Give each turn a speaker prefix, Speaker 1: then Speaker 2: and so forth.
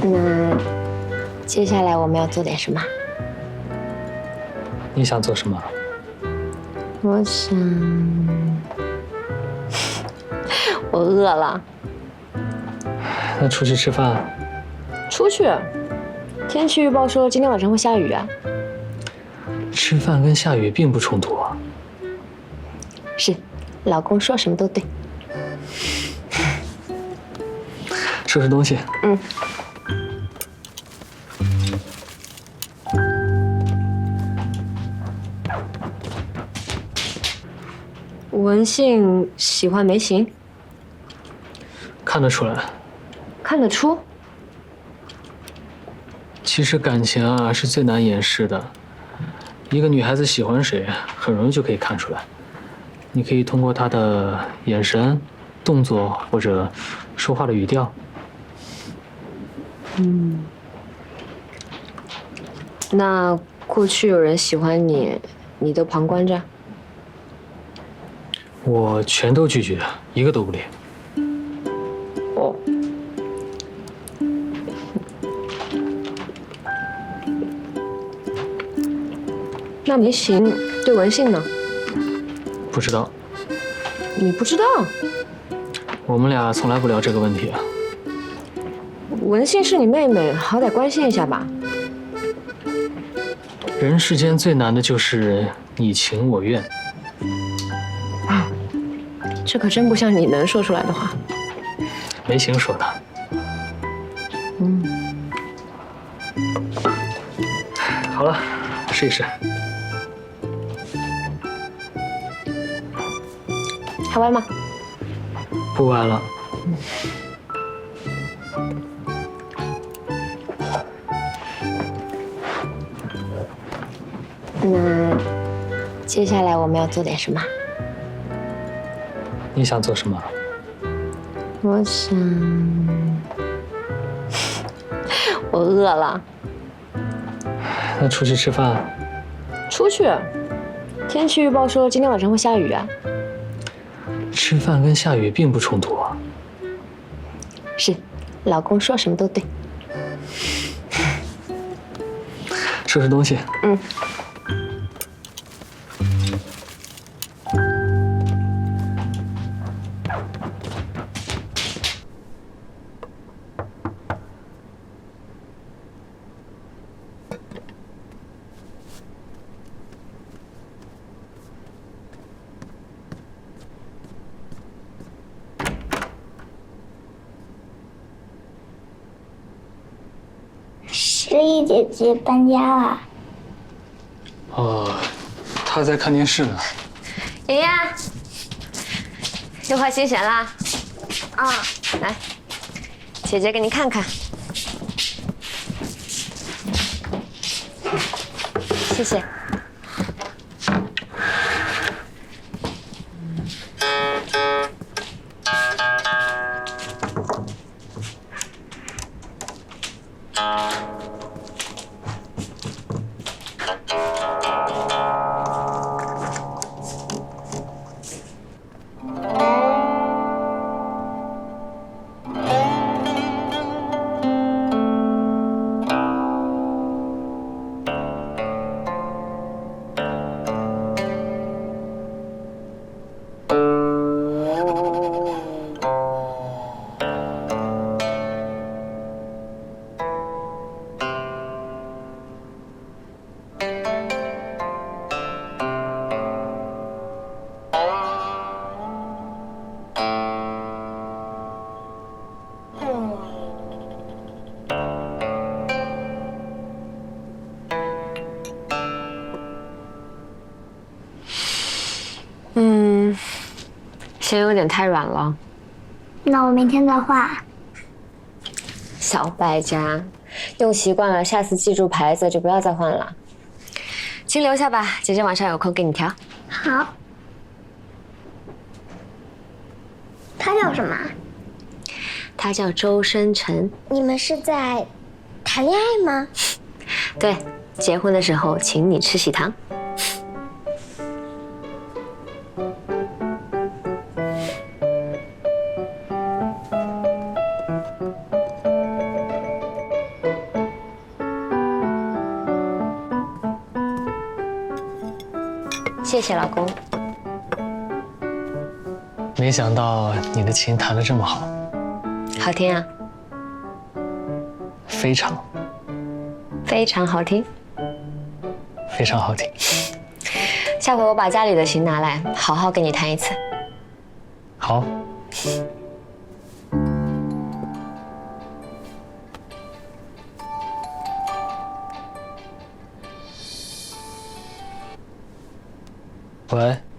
Speaker 1: 那接下来我们要做点什么？
Speaker 2: 你想做什么？
Speaker 1: 我想，我饿了。
Speaker 2: 那出去吃饭？
Speaker 1: 出去？天气预报说今天晚上会下雨啊。
Speaker 2: 吃饭跟下雨并不冲突啊。
Speaker 1: 是，老公说什么都对。
Speaker 2: 收拾东西。
Speaker 1: 嗯。文信喜欢梅行，
Speaker 2: 看得出来。
Speaker 1: 看得出。
Speaker 2: 其实感情啊是最难掩饰的，一个女孩子喜欢谁，很容易就可以看出来。你可以通过她的眼神、动作或者说话的语调。
Speaker 1: 那过去有人喜欢你，你都旁观着？
Speaker 2: 我全都拒绝，一个都不理。
Speaker 1: 哦。那梅行对文信呢？
Speaker 2: 不知道。
Speaker 1: 你不知道？
Speaker 2: 我们俩从来不聊这个问题啊。
Speaker 1: 文信是你妹妹，好歹关心一下吧。
Speaker 2: 人世间最难的就是你情我愿。
Speaker 1: 这可真不像你能说出来的话。
Speaker 2: 梅行说的。好了，试一试。
Speaker 1: 还歪吗？
Speaker 2: 不歪了。
Speaker 1: 那接下来我们要做点什么？
Speaker 2: 你想做什么？
Speaker 1: 我想，我饿了。
Speaker 2: 那出去吃饭？
Speaker 1: 出去？天气预报说今天晚上会下雨啊。
Speaker 2: 吃饭跟下雨并不冲突啊。
Speaker 1: 是，老公说什么都对。
Speaker 2: 收拾东西。
Speaker 1: 嗯。
Speaker 3: 诗意姐姐搬家了。
Speaker 2: 哦，她在看电视呢。
Speaker 1: 妍妍，又换新弦啦？
Speaker 3: 啊，
Speaker 1: 来，姐姐给你看看。谢谢。弦有点太软了。
Speaker 3: 那我明天再画。
Speaker 1: 小败家，用习惯了，下次记住牌子就不要再换了。先留下吧，姐姐晚上有空给你调。
Speaker 3: 好。他叫什么？
Speaker 1: 他叫周深沉。
Speaker 3: 你们是在谈恋爱吗？
Speaker 1: 对，结婚的时候请你吃喜糖。 谢谢老公。
Speaker 2: 没想到你的琴弹得这么好，
Speaker 1: 好听啊，
Speaker 2: 非常
Speaker 1: 非常好听。
Speaker 2: 非常好听。
Speaker 1: 下回我把家里的琴拿来，好好给你弹一次。
Speaker 2: 好。喂。